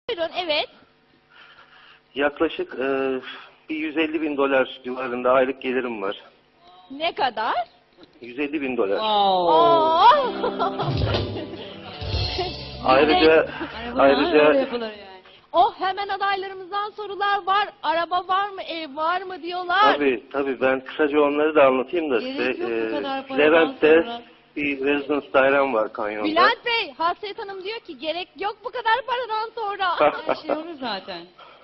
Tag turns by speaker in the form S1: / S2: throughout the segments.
S1: Buyurun, evet.
S2: Yaklaşık bir 150 bin dolar civarında aylık gelirim var.
S1: Ne kadar?
S2: 150 bin dolar.
S1: Oo.
S2: Ayrıca
S1: Oh, hemen adaylarımızdan sorular var. Araba var mı, ev var mı diyorlar.
S2: tabii ben kısaca onları da anlatayım da size.
S3: Gerek yok bu kadar paradan
S2: Levent'te
S3: sonra.
S2: bir residence dairem var kanyonda.
S1: Bülent Bey, Hasret Hanım diyor ki gerek yok bu kadar paradan sonra.
S3: Her şey olur zaten.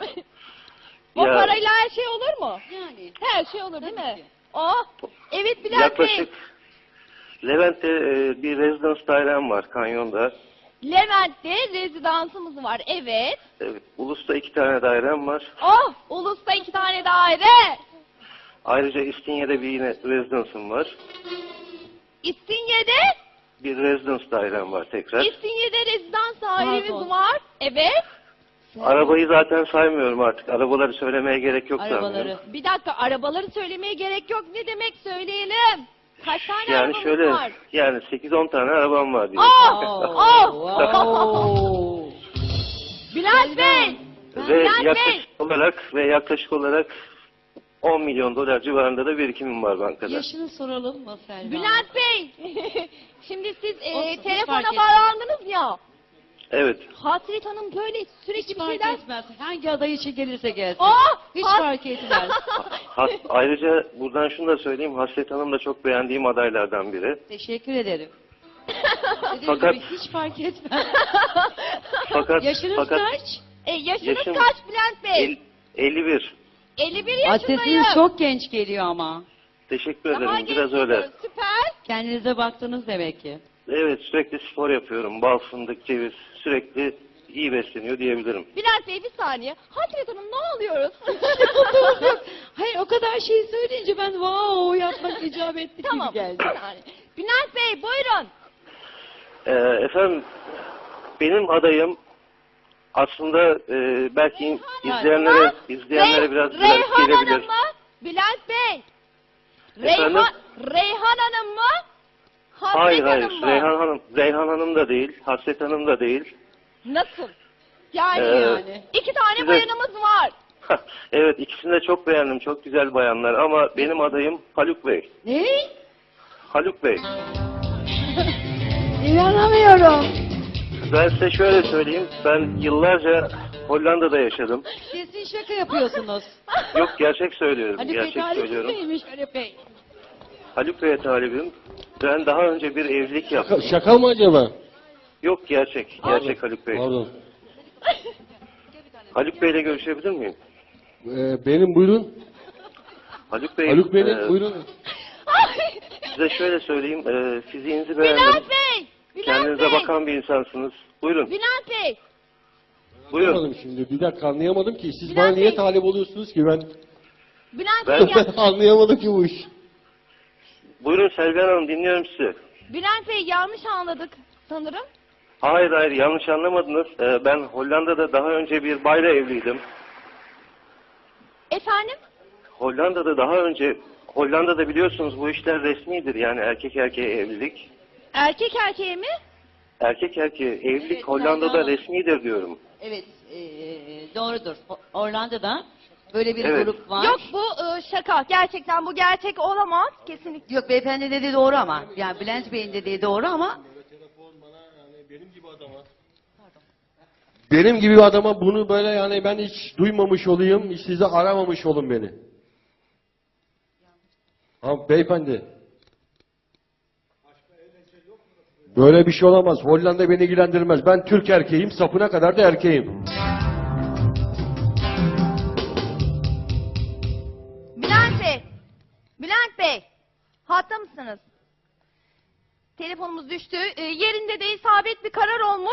S1: O
S2: Ya-
S1: parayla her şey olur mu?
S3: Yani.
S1: Her şey olur değil
S3: Tabii
S1: mi?
S3: ki.
S1: Oh, evet Bülent
S2: Yaklaşık
S1: Bey.
S2: Levent'te bir residence dairem var kanyonda.
S1: Levent'te rezidansımız var, evet.
S2: Evet, Ulus'ta 2 tane dairem var.
S1: Oh, Ulus'ta 2 tane daire.
S2: Ayrıca İstinye'de bir yine residence'ım var.
S1: İstinye'de,
S2: Bir residence dairem var tekrar.
S1: İstinye'de rezidans dairemiz
S3: Pardon.
S1: var. Evet.
S2: Arabayı zaten saymıyorum artık. Arabaları söylemeye gerek yok
S3: Arabaları.
S2: sanırım.
S1: Bir dakika, arabaları söylemeye gerek yok. Ne demek söyleyelim? Kaç tane
S2: Yani
S1: arabamız
S2: şöyle,
S1: var?
S2: yani 8-10 tane arabam var diye.
S1: Oh!
S3: Wow.
S1: Bülent Bey!
S2: Ve
S1: Bülent Bey!
S2: yaklaşık olarak 10 milyon dolar civarında da birikimim var bankada.
S3: Yaşını soralım mı Selma?
S1: Bülent Bey! Şimdi siz
S3: Olsun, hiç
S1: telefona
S3: fark etmez.
S1: bağlandınız ya.
S2: Evet.
S1: Hasret Hanım böyle sürekli
S3: Hiç
S1: bir
S3: fark
S1: şeyler...
S3: etmez. Hangi aday için gelirse gelsin.
S1: Oh!
S3: Hiç
S1: Has-
S3: fark etmez.
S2: Ayrıca buradan şunu da söyleyeyim. Hasret Hanım da çok beğendiğim adaylardan biri.
S3: Teşekkür ederim. Dediğim
S2: Fakat-
S3: gibi hiç fark etmez.
S2: fakat
S3: Yaşınız kaç?
S1: Yaşınız
S2: Yaşım-
S1: kaç Bülent Bey?
S2: 51.
S1: 51
S3: Ay,
S1: yaşındayım.
S3: sesiniz çok genç geliyor ama.
S2: Teşekkür
S1: Daha
S2: ederim. Biraz
S1: genç
S2: öyle.
S1: geliyor, süper.
S3: Kendinize baktınız demek ki.
S2: Evet, sürekli spor yapıyorum. Bal, fındık, ceviz. Sürekli iyi besleniyor diyebilirim.
S1: Bülent Bey bir saniye. Hasret Hanım ne oluyoruz?
S3: Hayır, o kadar şey söyleyince ben wow yapmak icap etti
S1: Tamam.
S3: gibi geldi.
S1: bir saniye. Bülent Bey buyurun.
S2: Efendim, benim adayım aslında belki izleyenlere biraz garip
S1: Reyhan
S2: gelebilir.
S1: Hanım mı? Bülent Bey.
S2: Efendim?
S1: Reyhan Hanım mı? Hasret
S2: Hayır,
S1: Hanım mı?
S2: Reyhan Hanım da değil, Hasret Hanım da değil.
S1: Nasıl? Yani,
S3: Yani.
S1: 2 tane
S2: size-
S1: bayanımız var.
S2: Evet, ikisini de çok beğendim, çok güzel bayanlar ama benim adayım Haluk Bey.
S3: Ne?
S2: Haluk Bey,
S3: İnanamıyorum.
S2: ben size şöyle söyleyeyim, ben yıllarca Hollanda'da yaşadım.
S3: Kesin şaka yapıyorsunuz.
S2: Yok, gerçek söylüyorum,
S3: Haluk Bey
S2: gerçek
S3: talip
S2: söylüyorum.
S3: miymiş Haluk Bey?
S2: Haluk Bey'e talibim. Ben daha önce bir evlilik yaptım.
S4: Şaka mı acaba?
S2: Yok, gerçek Haluk Bey.
S4: Pardon.
S2: Haluk Bey'le görüşebilir miyim?
S4: Benim buyurun.
S2: Haluk Bey,
S4: Haluk Bey'in buyurun.
S2: size şöyle söyleyeyim, fiziğinizi beğendim.
S1: Bülent Bey. Bülent
S2: Kendinize
S1: Bey.
S2: bakan bir insansınız. Buyurun,
S1: Bülent Bey.
S2: buyurun.
S4: Anlamadım şimdi. Bir dakika anlayamadım ki. Siz
S1: Bülent
S4: bana niye
S1: Bey.
S4: talip oluyorsunuz ki ben?
S1: Bülent
S2: Ben-
S1: Bey
S4: Anlayamadım ki bu iş.
S2: Buyurun Selvihan Hanım, dinliyorum sizi.
S1: Bülent Bey yanlış anladık sanırım.
S2: Hayır, yanlış anlamadınız. Ben Hollanda'da daha önce bir bayla evliydim.
S1: Efendim?
S2: Hollanda'da biliyorsunuz bu işler resmidir, yani erkek erkeğe evlilik.
S1: Erkek erkeğe mi?
S2: Erkek erkeğe evlilik
S3: Evet,
S2: Hollanda'da
S3: Selvihan Hanım.
S2: resmidir diyorum.
S3: Evet, doğrudur. Orlando'da böyle bir
S2: Evet.
S3: grup var.
S1: Yok bu şaka. Gerçekten bu gerçek olamaz. Kesinlikle.
S3: Yok, beyefendi dediği doğru ama. Yani Bülent Bey'in dediği doğru ama.
S4: Benim gibi bir adama bunu böyle yani ben hiç duymamış olayım, hiç size aramamış olun beni. Ha beyefendi. Böyle bir şey olamaz. Hollanda beni ilgilendirmez. Ben Türk erkeğim, sapına kadar da erkeğim.
S1: Bülent Bey. Bülent Bey. Hatta mısınız? Telefonumuz düştü. Yerinde de isabet bir karar olmuş.